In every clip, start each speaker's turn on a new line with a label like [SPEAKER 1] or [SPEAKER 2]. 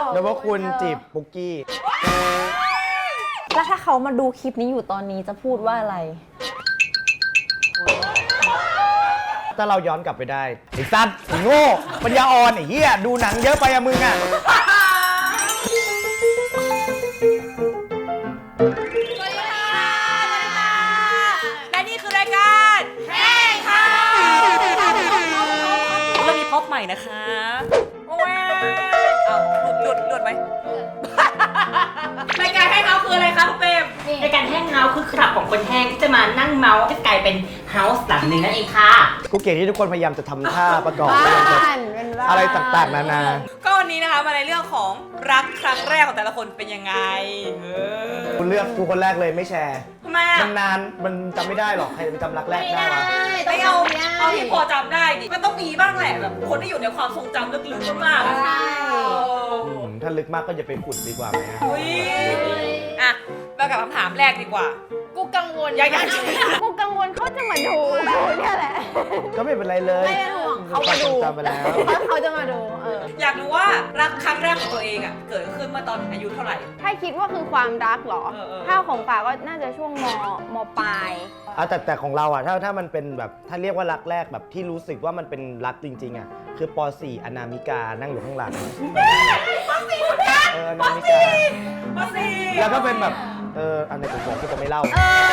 [SPEAKER 1] แล้วว่าคุณจีบปุกกี้
[SPEAKER 2] แล้วถ้าเขามาดูคลิปนี้อยู่ตอนนี้จะพูดว่าอะไร
[SPEAKER 1] ถ้าเราย้อนกลับไปได้ไอ้สัตว์ไอ้โง่ปัญญาอ่อนไอ้เหี้ยดูหนังเยอะไปอะมึงอะ
[SPEAKER 3] และนี่คือรายการแห้งค่ะเรามีพร็อพใหม่นะคะว้าวเอาหลุดไหมรายการแห้งเฮาคืออะไรคะคุณเปม
[SPEAKER 4] ในการแห้งเฮาส์คือคลับของคนแห้งที่จะมานั่งเมาส์ให้กลายเป็นเฮาส์หลังหนึ่งนั่นเองค่ะ
[SPEAKER 1] กูเกลียดที่ทุกคนพยายามจะทำท่าประกอบอะไรต่างๆนานา
[SPEAKER 3] ก็วันนี้นะคะมาในเรื่องของรักครั้งแรกของแต่ละคนเป็นยังไง
[SPEAKER 1] กูเลือกกูคนแรกเลยไม่แชร์
[SPEAKER 3] ทำไมอ่ะ
[SPEAKER 1] มันนานมันจำไม่ได้หรอกใครจะไปจำรักแรกได้วะ
[SPEAKER 3] ไม่เอาที่พอจำได้ดิมันต้องมีบ้างแหละแบบคนที่อยู่ในความทรงจำลึกๆมากๆอะ
[SPEAKER 1] ถ้าลึกมากก็อย่าไปขุดดีกว่าไหมฮะ
[SPEAKER 3] อุ้ยอ่ะมากับคำถามแรกดีกว่า
[SPEAKER 2] กูกังวล
[SPEAKER 3] อยาก
[SPEAKER 2] กูกังวลเขาจะมาดูเนี่ยแหละ
[SPEAKER 1] ก็ไม่เป็นไรเลย
[SPEAKER 2] ไม่เป็นห่วงเขามาดู
[SPEAKER 1] จำไปแล้ว
[SPEAKER 2] เขาจะมาดู
[SPEAKER 3] อยากรู้ว่ารักครั้งแรกของตัวเองอ่ะเกิดขึ้นเมื่อตอนอายุเท่าไหร่
[SPEAKER 5] ถ้าคิดว่าคือความรักเหรอ ถ้าของป่าก็น่าจะช่วงมปลาย
[SPEAKER 1] แต่ของเราอ่ะถ้ามันเป็นแบบถ้าเรียกว่ารักแรกแบบที่รู้สึกว่ามันเป็นรักจริงๆอ่ะคือป .4 อนามิกานั่งอยู่ข้างหลังป .4 อนามิกา
[SPEAKER 3] ป .4
[SPEAKER 1] แล้วก็เป็นแบบอันไหนผมบอกที่จะไม่เล่า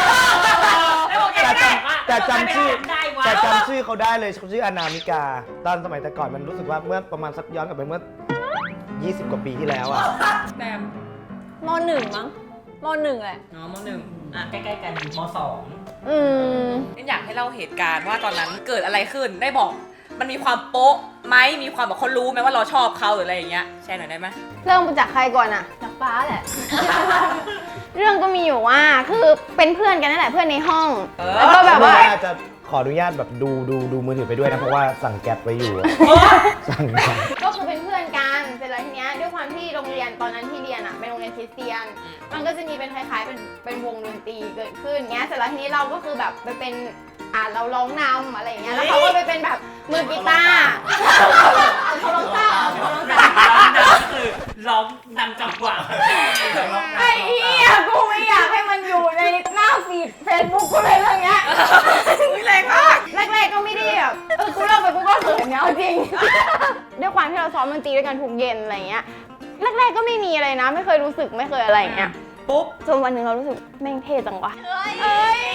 [SPEAKER 1] แต่จำชื่อเขาได้เลยเขาชื่ออนามิกาตอนสมัยแต่ก่อนมันรู้สึกว่าเมื่อประมาณสักย้อนกลับไปเมื่อ20 กว่าปีที่แล้วอ่ะ
[SPEAKER 3] แบม
[SPEAKER 2] มหนึ่งมั้งมหนึ่งแหละ
[SPEAKER 3] น้องม .1 อ่ะ
[SPEAKER 4] ใกล้ๆกันม.2
[SPEAKER 3] อยากให้เล่าเหตุการณ์ว่าตอนนั้นเกิดอะไรขึ้นได้บอกมันมีความโป๊ะไหมมีความแบบเขารู้ไหมว่าเราชอบเขาหรืออะไรอย่างเงี้ยแชร์หน่อยได้ไหม
[SPEAKER 5] เริ่มจากใครก่อนอะ
[SPEAKER 2] จากป้าแหละ
[SPEAKER 5] เรื่องก็มีอยู่ว่าคือเป็นเพื่อนกันนั่นแหละเพื่อนในห้อง แล้วก็แบบ
[SPEAKER 1] ไม่
[SPEAKER 5] ว่า
[SPEAKER 1] อาจจะขออนุญาตแบบดูมือถือไปด้วยนะเพราะว่าสั่งแก๊ปไว้อยู่อะสั่งแก๊ป
[SPEAKER 5] ก็คือเป็นเพื่อนกันเสร็จแล้วทีเนี้ยด้วยความที่โรงเรียนตอนนั้นที่เรียนอะเป็นโรงเรียนคริสเตียน มันก็จะมีเป็นคล้ายๆเป็นวงดนตรีเกิดขึ้นเงี้ยเสร็จแล้วทีนี้เราก็คือแบบไปเป็นเราร้องนำอะไรอย่างเงี้ยแล้วเขาก็ไปเป็นแบบมือกีตาร์เขาร้องเต้าเขาร้องเต้า
[SPEAKER 4] คือร้องนำจังหวะ
[SPEAKER 5] ไอ้เหี้ยกูไม่อยากให้มันอยู่ในหน้าฟีดเฟซบุ๊กกูเลยเรื่องเงี้ย
[SPEAKER 3] แรงมาก
[SPEAKER 5] แรกๆก็ไม่ได้แบบกูเลิกไปกูก็เขินเนี่ยเอาจริง ด้วยความที่เราซ้อมดนตรีด้วยกันทุกเย็นอะไรเงี้ยแรกๆก็ไม่มีอะไรนะ ไม่เคยรู้สึกไม่เคยอะไรอย่างเงี้ย
[SPEAKER 3] ปุ๊บ
[SPEAKER 5] จนวันหนึ่งเรารู้สึกแม่งเท่จังวะเอ้ย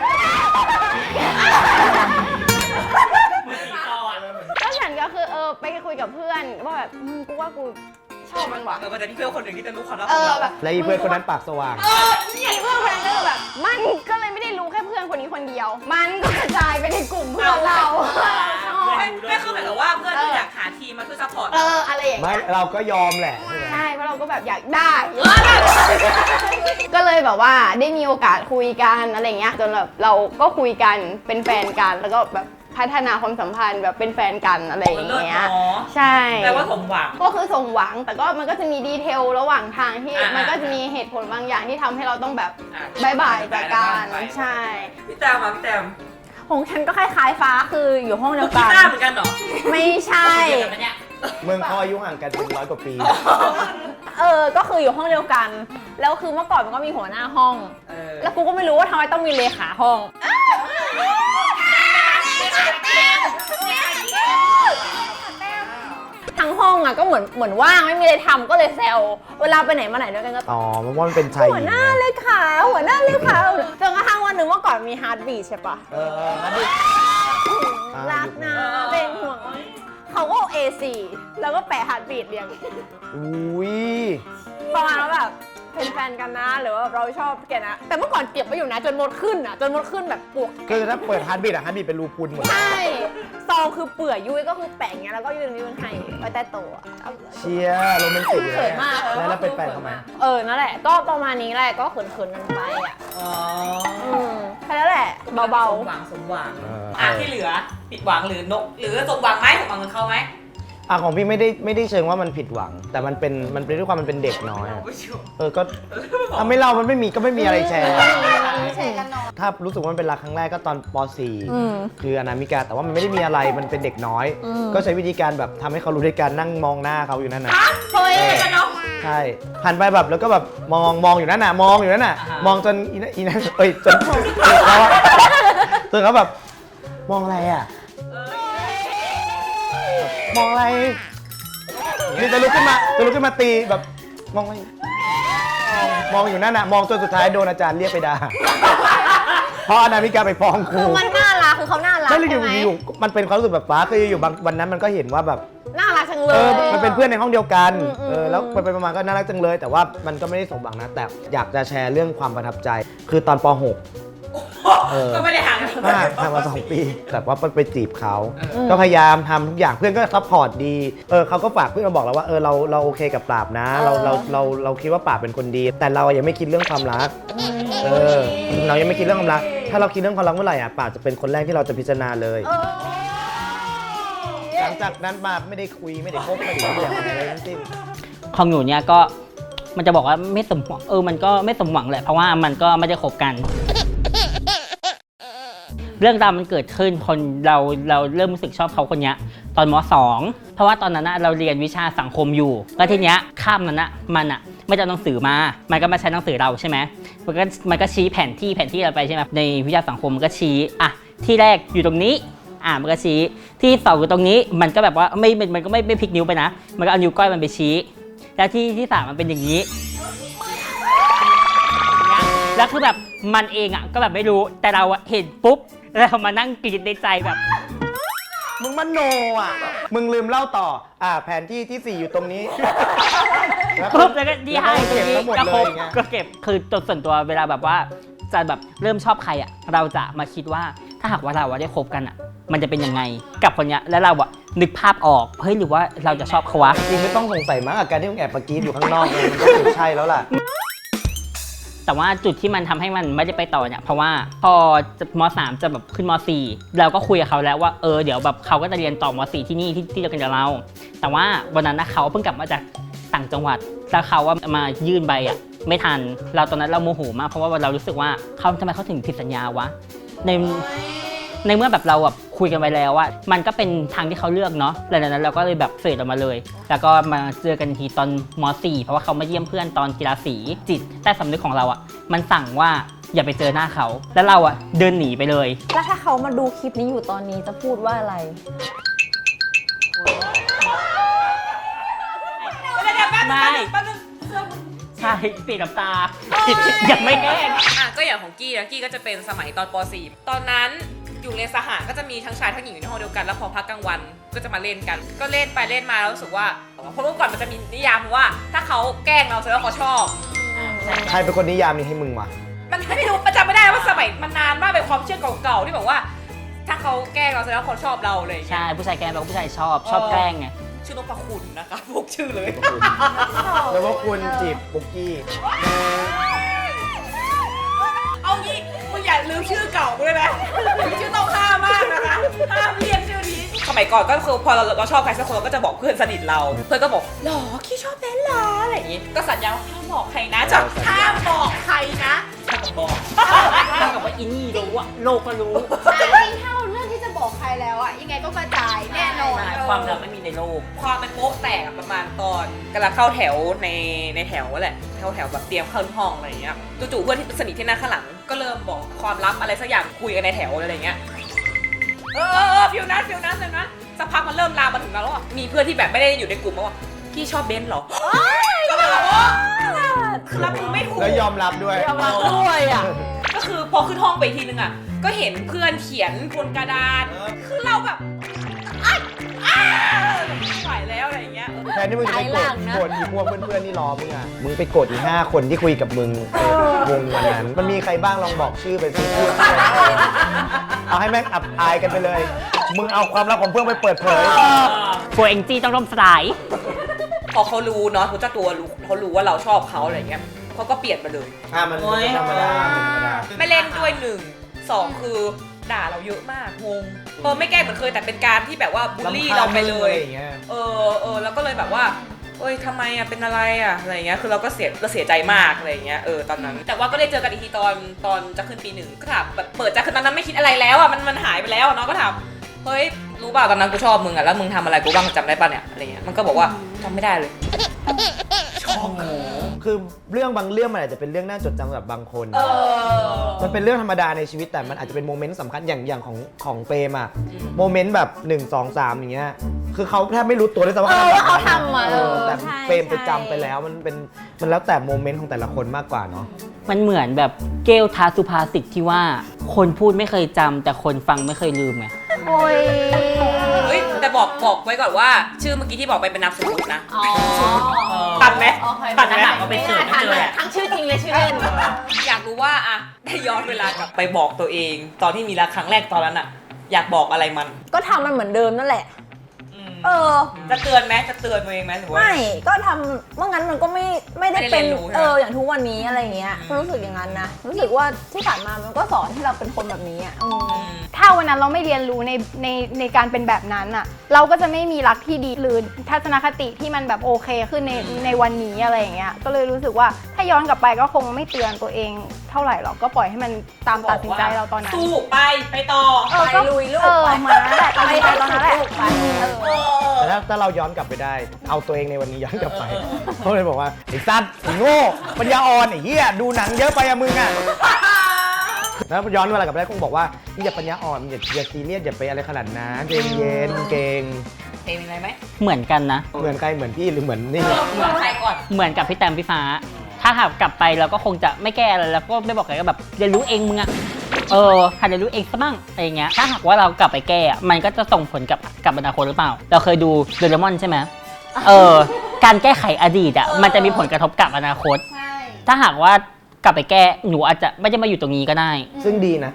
[SPEAKER 5] ก็ฉันก็คือไปคุยกับเพื่อนว่าแบบมึงกูว่ากูชอบมันว่ะ
[SPEAKER 3] มันจะมีเพื่อนคนหนึ่งที่จะรู้ความลับ
[SPEAKER 5] แบบ
[SPEAKER 1] และอีเพื่อนคนนั้นปากสว่าง
[SPEAKER 5] ไอ้เพื่อนคนนั้นก็คือแบบมันก็เลยไม่ได้รู้แค่เพื่อนคนนี้คนเดียว มันก็กระจายไปในกลุ่มเพื่อนเราชอบ
[SPEAKER 3] ไม่คือหมายถึงว่าเพื่อนที่อยากหาทีมมาช่วยซัพพอร์ต
[SPEAKER 5] อะไรอย่าง
[SPEAKER 1] ไม่
[SPEAKER 5] เงี้ย
[SPEAKER 1] เราก็ยอมแหละใช่ไหม
[SPEAKER 5] ใช่เพราะเราก็แบบอยากได้ ก็เลยแบบว่าได้มีโอกาสคุยกันอะไรเงี้ยจนแบบเราก็คุยกันเป็นแฟนกันแล้วก็แบบพัฒนาความสัมพันธ์แบบเป็นแฟนกันอะไรอย่างเงี้ยใช่
[SPEAKER 3] แปลว่าสมหวัง
[SPEAKER 5] ก็คือสมหวังแต่ก็มันก็จะมีดีเทลระหว่างทางที่มันก็จะมีเหตุผลบางอย่างที่ทำให้เราต้องแบบบายบายจากกันใช่
[SPEAKER 3] พี่แตมมาพี่แตม
[SPEAKER 2] ของฉันก็คล้ายๆฟ้าคืออยู่ห้องเดียว
[SPEAKER 3] กี
[SPEAKER 2] กัน
[SPEAKER 3] ตาร์เหมือนกันเหรอ
[SPEAKER 2] ไม่ใช่
[SPEAKER 1] เมืองเขาอายุห่างกันเป็น100 กว่าปี
[SPEAKER 2] ก็คืออยู่ห้องเดียวกัน แล้วคือเมื่อก่อนมันก็มีหัวหน้าห้อง แล้วกูก็ไม่รู้ว่าทำไมต้องมีเลขาห้อง ทั้งห้องอ่ะก็เหมือนว่างไม่มีอะไรทำก็เลยแซวเวลาไปไหนมาไหนด้วยกันก็
[SPEAKER 1] อ๋อมันว่ามันเป็นชายหญิง
[SPEAKER 2] หัวหน้าเลขาหัวหน้าเลขาจนกระทั่งวันหนึ่งเมื่อก่อนมีฮาร์ดบีทใช่ปะ
[SPEAKER 1] งั้นดิ
[SPEAKER 2] รักนะเป็นห่วงเขาก็เอา A4 แล้วก็แปะฮาร์ดบีทเรียง
[SPEAKER 1] อุ้ย
[SPEAKER 2] ประมาณว่าแบบเป็นแฟนกันนะหรือว่าเราชอบแกนะแต่เมื่อก่อนเก็บไว้อยู่นะจนมดขึ้นอ่ะจนมดขึ้นแบบปวก
[SPEAKER 1] คือถ้าเปิดฮาร์ดบีทฮาร์ดบีทเป็นรูพุนหมด
[SPEAKER 2] ใช่ซองคือเปื่อยยุ้ยก็คือแปะอย่างเงี้ยแล้วก็ยืนให้ไว้ใต้โต๊ะ
[SPEAKER 1] เชียร์โรแมนติกเลย
[SPEAKER 2] เขินมาก
[SPEAKER 1] แล้วเป็นแฟนเขาไหม
[SPEAKER 2] นั่นแหละก็ประมาณนี้แหละก็เขินๆกันไปอ่ะ
[SPEAKER 3] อ๋อ
[SPEAKER 2] แค่นั้นแหละเบา
[SPEAKER 3] สมหวังที่เหลือผิดหวังหรือนกหรือสมหวังไหมสมหวังกับเขาไหม
[SPEAKER 1] ของพี่ไม่ได้เชิงว่ามันผิดหวัง แต่มันเป็นด้วยความมันเป็นเด็กน้อยอะก็ไม่เล่ามันไม่มีก็ไม่มีอะไรแชร์
[SPEAKER 5] แชร์กันเนาะ
[SPEAKER 1] ถ้ารู้สึกว่ามันเป็นรักครั้งแรกก็ตอนป .4 คืออนามิกาแต่ว่ามันไม่ได้มีอะไรมันเป็นเด็กน้อย ก็ใช้วิธีการแบบทำให้เขารู้ด้วยการนั่งมองหน้าเขาอยู่นั่นนะ
[SPEAKER 2] ๆเฮ้ย
[SPEAKER 3] กับน้อง
[SPEAKER 1] ช่หันไปแบบแล้วก็แบบมองอยู่นั่นน่ะมองอยู่นั่นน่ะมองจนอีนั่นเอ้ยจนเขาอะจนเขาแบบมองอะไรอ่ะมองอะไรนี่จะลุกขึ้นมาตีแบบมองอะไรมองอยู่นั่นน่ะมองจนสุดท้ายโดนอาจารย์เรียกไปด่าเพราะอนามิกาไปฟ้องครู
[SPEAKER 2] คือมันน่ารักคือเขาน่ารัก
[SPEAKER 1] ไม่เลย
[SPEAKER 2] ใช่ไหม
[SPEAKER 1] อยู่มันเป็นความรู้สึกแบบฟ้าคืออยู่บางวันนั้นมันก็เห็นว่าแบบ
[SPEAKER 2] น่ารักจังเล
[SPEAKER 1] เอย อมันเป็นเพื่อนในห้องเดียวกัน
[SPEAKER 2] อืม
[SPEAKER 1] แล้วไปมาก็น่ารักจังเลย แต่ว่ามันก็ไม่ได้สมหวังนะ แต่อยากจะแชร์เรื่องความประทับใจ คือตอนป .6
[SPEAKER 3] ก็ไม่ได้ห่างกัน
[SPEAKER 1] มากทำมา2 ปีแต่ว่าไปจีบเขาก็พยายามทำทุกอย่างเพื่อนก็ซัพพอร์ตดีเขาก็ฝากเพื่อนมาบอกเราว่าเราโอเคกับปราบนะเราคิดว่าปราบเป็นคนดี แต่เรายังไม่คิดเรื่องความรักเรายังไม่คิดเรื่องความรัก ถ้าเราคิดเรื่องความรักเมื่อไหร่อ่ะปราบจะเป็นคนแรกที่เราจะพิจารณาเลยหลังจากนั้นมาไม่ได้คุยไม่ได้คบไม่ได้คุยอะไรทั้งสิ้น
[SPEAKER 4] ของหนูเนี่ยก็มันจะบอกว่าไม่สมหวังมันก็ไม่สมหวังแหละเพราะว่ามันก็ไม่ได้คบกัน เรื่องราวมันเกิดขึ้นคนเราเริ่มรู้สึกชอบเขาคนนี้ตอนม.2 เพราะว่าตอนนั้นเราเรียนวิชาสังคมอยู่แล้วทีเนี้ยข้ามนั้นมันไม่จะเอาหนังสือมามันก็มาใช้หนังสือเราใช่ไหมมันก็ชี้แผนที่เราไปใช่ไหมในวิชาสังคมมันก็ชี้ที่แรกอยู่ตรงนี้มันก็ชี้ที่2อยู่ตรงนี้มันก็แบบว่ามันก็ไม่พลิกนิ้วไปนะมันก็เอานิ้วก้อยมันไปชี้แล้วที่3มันเป็นอย่างนี้แล้วคือแบบมันเองก็แบบไม่รู้แต่เราเห็นปุ๊บแล้วมานั่งกรีดในใจแบบ
[SPEAKER 1] มึงมันโนมึงลืมเล่าต่อแผนที่ที่ 4 อยู่ตรงนี้
[SPEAKER 4] ปุ๊บแล้วก็ดีให้
[SPEAKER 1] เก็บทั้งหมด
[SPEAKER 4] ก็
[SPEAKER 1] เล
[SPEAKER 4] คร
[SPEAKER 1] ย
[SPEAKER 4] บ
[SPEAKER 1] ไง
[SPEAKER 4] ก็เก็บคือตัวส่วนตัวเวลาแบบว่าจะแบบเริ่มชอบใครเราจะมาคิดว่าถ้าหากว่าเราได้คบกันมันจะเป็นยังไงกับคนเนี้ยแล้วเรานึกภาพออกเฮ้ยหรือว่าเราจะชอบเขาวะ
[SPEAKER 1] จริงไม่ต้องสงสัยมากกับการที่มึงแอบปะกีดอยู่ข้างนอกเลยมันก็ถูกใช่แล้วล่ะ
[SPEAKER 4] แต่ว่าจุดที่มันทำให้มันไม่ได้ไปต่อเนี่ยเพราะว่าพอม.3 จะแบบขึ้นม.4 เราก็คุยกับเขาแล้วว่าเดี๋ยวแบบเขาก็จะเรียนต่อม.4 ที่นี่ที่เดียวกันกับเราแต่ว่าวันนั้นเขาเพิ่งกลับมาจากต่างจังหวัดแล้วเขาว่ามายื่นใบไม่ทันเราตอนนั้นเราโมโหมากเพราะว่าเรารู้สึกว่าทำไมเขาถึงผิดสัญญาวะในเมื่อแบบเราคุยกันไว้แล้วว่ามันก็เป็นทางที่เขาเลือกเนาะหลังจากนั้นเราก็เลยแบบเฟดออกมาเลยแล้วก็มาเจอกันทีตอนม.4 เพราะว่าเขามาเยี่ยมเพื่อนตอนกีฬาสีจิตใต้สำนึกของเรามันสั่งว่าอย่าไปเจอหน้าเขาแล้วเราเดินหนีไปเลย
[SPEAKER 2] แล้วถ้าเขามาดูคลิปนี้อยู่ตอนนี้จะพูดว่าอะไร
[SPEAKER 4] ไม่ใช่ปิดกับตายังไม่แห้ง
[SPEAKER 3] ก็อย่างของกี้นะกี้ก็จะเป็นสมัยตอนป .4 ตอนนั้นอยู่เรียนสหก็จะมีทั้งชายทั้งหญิงอยู่ในห้องเดียวกันแล้วพอพักกลางวันก็จะมาเล่นกันก็เล่นไปเล่นมาแล้วรู้สึกว่าเพราะเมื่อก่อนมันจะมีนิยามว่าถ้าเขาแกล้งเราแสดงว่าเขาชอบ
[SPEAKER 1] ใครเป็นคนนิยามนี้ให้มึงวะ
[SPEAKER 3] มันไม่รู้ประจำไม่ได้ว่าสมัยมันนานมากเป็นความเชื่อเก่าๆที่แบบว่า ถ้าเขาแกล้งเราแสดงว่าเขาชอบเราเลย
[SPEAKER 4] ใช่ผู้ชายแกล้งเราผู้ชายชอบแกล้งไง
[SPEAKER 3] ชื่อนพคุณนะคะพวกชื่อเลย
[SPEAKER 1] แล้วว่าคุณจีบปุกกี้
[SPEAKER 3] เอางี้มึงอย่าลืมชื่อเก่ากูเลยนะชื่อต้องห้ามมากนะคะห้ามเรียกชื่อนี้สมัยก่อนก็คือพอเราชอบใครสักคนเราก็จะบอกเพื่อนสนิทเราเพื่อนก็บอกหรอขี้ชอบแบนหรออะไรอย่างงี้ก็สัญญาว่าห้ามบอกใครนะจะห้ามบอกใครนะถ้ากับบอก
[SPEAKER 4] ถ้ากับว่าอินนี่รู้โลกก็รู้
[SPEAKER 5] จริงๆถ้าเราเลือกที่จะบอกใครแล้วยังไงก็กระจายแน่นอน
[SPEAKER 4] ความลับไม่มีในโลก
[SPEAKER 3] ความเป็นโป๊กแตกประมาณตอนกำลังเข้าแถวในแถวแหละเข้าแถวแบบเตรียมเข้าห้องอะไรอย่างเงี้ยจู่ๆเพื่อนที่สนิทที่นั่งข้างหลังก็เริ่มบอกความลับอะไรสักอย่างคุยกันในแถวอะไรอย่างเงี้ยฟิวนั้นสักพักมันเริ่มลามมาถึงเราแล้วมีเพื่อนที่แบบไม่ได้อยู่ในกลุ่มว่าพี่ชอบเบนซ์เหรอก็แบบว่าคือรับมือไม่ถูก
[SPEAKER 1] แล้วยอมรับด้วย
[SPEAKER 2] ยอมรับด้วย
[SPEAKER 3] ก็คือพอขึ้นห้องไปทีนึงก็เห็นเพื่อนเขียนบนกระดานคือเราแบบไม่ไหวแล้วอะไรอย่างเงี้ย
[SPEAKER 1] แทนที่มึงจะไปโกรธอีพวกเพื่อนๆที่รอมึงมึงไปโกรธอี5 คนที่คุยกับมึงวงวันนั้นมันมีใครบ้างลองบอกชื่อไปสิพูดเอาให้แม่งอับอายกันไปเลยมึงเอาความลับของเพื่อนไปเปิดเผย
[SPEAKER 4] ตัวเองจี้ต้องร่มสลาย
[SPEAKER 3] พอเขารู้เนาะเขาเจ้าตัวรู้เขารู้ว่าเราชอบเขาอะไรเงี้ยเขาก็เปลี่ยนมาเลย
[SPEAKER 1] มันธรรมดา
[SPEAKER 3] ไม่เล่นด้วย1 2คือด่าเราเยอะมากงงไม่แกล้งเหมือนเคยแต่เป็นการที่แบบว่าบูลลี่เราไปเลยแล้วก็เลยแบบว่าทำไมเป็นอะไรอะไรเงี้ยคือเราก็เสียใจมากอะไรเงี้ยตอนนั้นแต่ว่าก็ได้เจอกันอีกทีตอนจะขึ้นปี 1ก็ถามแบบเปิดจะขึ้นตอนนั้นไม่คิดอะไรแล้วมันหายไปแล้วเนาะก็ถามเฮ้ยรู้ป่ะตอนนั้นกูชอบมึงแล้วมึงทำอะไรกูบ้างจำได้ป่ะเนี่ยอะไรเงี้ยมันก็บอกว่าจำไม่ได้เลยช
[SPEAKER 1] คือเรื่องบางเรื่องมันอาจจะเป็นเรื่องน่าจดจำสำหรับบางคนมันเป็นเรื่องธรรมดาในชีวิตแต่มันอาจจะเป็นโมเมนต์สำคัญอย่างของเปรมอะโมเมนต์แบบ1 2 3อย่างเงี้ยคือเขาแทบไม่รู้ตัวเลยซ้ำว่า
[SPEAKER 2] เขาทำมา
[SPEAKER 1] แต่
[SPEAKER 2] ใช่
[SPEAKER 1] เปรมไปจำไปแล้วมันแล้วแต่โมเมนต์ของแต่ละคนมากกว่าเนาะ
[SPEAKER 4] มันเหมือนแบบเกลทาสุภาษิตที่ว่าคนพูดไม่เคยจำแต่คนฟังไม่เคยลืมไง
[SPEAKER 5] โอ้ย
[SPEAKER 3] เฮ้ยแต่บอกไว้ก่อนว่า ชื่อเมื่อกี้ที่บอกไปเป็นนามสมมตินะ
[SPEAKER 2] อ๋อ
[SPEAKER 3] ทันไหม
[SPEAKER 4] ปัญหาเขาไปเสิร์ชไม่เจอแหละ
[SPEAKER 2] ทั้งชื่อจริงเลยชื่อเล่น
[SPEAKER 3] อยากรู้ว่าอะได้ย้อนเวลากลับไปบอกตัวเอง ตอนที่มีรักครั้งแรกตอนนั้นอะอยากบอกอะไรมัน
[SPEAKER 2] ก็ทำมันเหมือนเดิมนั่นแหละ
[SPEAKER 3] จะเตือนไหมจะเตือนตัวเองไหมหรือว่า
[SPEAKER 2] ไม่ก็ทำเมื่องั้นมันก็ไม่ได้เป็น
[SPEAKER 3] ไม่ได้เรียนรู้ใช่ไหม
[SPEAKER 2] อย่างทุกวันนี้อะไรอย่างเงี้ยรู้สึกอย่างนั้นนะรู้สึกว่าที่ผ่านมามันก็สอนให้เราเป็นคนแบบนี้อ่ะ
[SPEAKER 5] ถ้าวันนั้นเราไม่เรียนรู้ในการเป็นแบบนั้นอ่ะ เราก็จะไม่มีรักที่ดีหรือทัศนคติที่มันแบบโอเคขึ้นในวันนี้อะไรอย่างเงี้ย ก็เลยรู้สึกว่าถ้าย้อนกลับไปก็คงไม่เตือนตัวเองเท่าไหร่หรอกก็ปล่อยให้มันตามตัดสินใจเราตอนนั้น
[SPEAKER 3] สู้ไปต่อ
[SPEAKER 2] ไปลุยลูก
[SPEAKER 5] เหมือนนั้นแหละตอนนั้นแหละ
[SPEAKER 1] แต่ถ้าเราย้อนกลับไปได้ เอาตัวเองในวันนี้ย้อนกลับไปเขาเลยบอกว่าไอ้สัตว์ไอ้โง่ปัญญาอ่อนไอ้เหี้ยดูหนังเยอะไปอะมึงอะแล้วย้อนเวลากลับไปได้คงบอกว่านี่อย่าปัญญาอ่อนอย่าซีเรียสอย่าไปอะไรขนาดนั้นเย็นๆเก่ง
[SPEAKER 3] เพลงอะไรไหม
[SPEAKER 4] เหมือนกันนะ
[SPEAKER 1] เหมือนใครเหมือนพี่หรือเหมือนนี่
[SPEAKER 3] เหมือนใครก่อน
[SPEAKER 4] เหมือนกับพี่แตมพี่ฟ้า ถ้าหากกลับไปเราก็คงจะไม่แก้อะไรแล้วก็ไม่บอกใครก็แบบเรียนรู้เองมึงอะหัดเรียนรู้เองซะบ้างอะไรอย่างเงี้ยถ้าหากว่าเรากลับไปแก้อะมันก็จะส่งผลกับอนาคตหรือเปล่า เราเคยดูโดเรมอนใช่ไหมการแก้ไขอดีตอะมันจะมีผลกระทบกับอนาคต
[SPEAKER 5] ใช่
[SPEAKER 4] ถ้าหากว่ากลับไปแก้หนูอาจจะไม่ได้มาอยู่ตรงนี้ก็ได้
[SPEAKER 1] ซึ่งดีนะ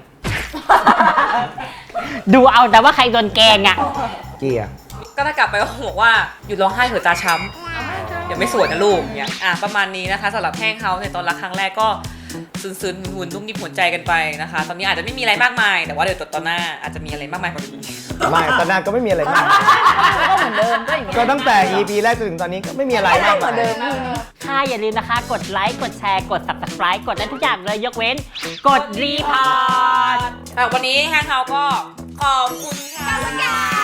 [SPEAKER 4] ดูเอาแต่ว่าใครโดนแกล้งอะ
[SPEAKER 1] เกียร์
[SPEAKER 3] ก็ถ้ากลับไปก็คงบอกว่าหยุดร้องไห้เถอะตาช้ำเดี๋ยวไม่สวยนะลูกเนี่ยประมาณนี้นะคะสำหรับแห้งเฮาในตอนรักครั้งแรกก็ซึนๆหุ่นนุ่มนิ่มหัวใจกันไปนะคะ ตอนนี้อาจจะไม่มีอะไรมากมาย แต่ว่าเดี๋ยวตอนหน้าอาจจะมีอะไรมากมายกว่านี้
[SPEAKER 1] ไม่ตอนนั้นก็ไม่มีอะไรมาก
[SPEAKER 2] ก็เหมือนเดิมก็อย่างเงี้ย
[SPEAKER 1] ก็ตั้งแต่ EP แรกจนถึงตอนนี้ก็ไม่มีอะไรมาก
[SPEAKER 2] เหมือนเดิม
[SPEAKER 4] ค่ะอย่าลืมนะคะ กดไลค์กดแชร์กด subscribe กดได้ทุกอย่างเลยยกเว้น กดรีพอร์ต
[SPEAKER 3] วันนี้แห้งเฮาก็ขอบคุณค่ะ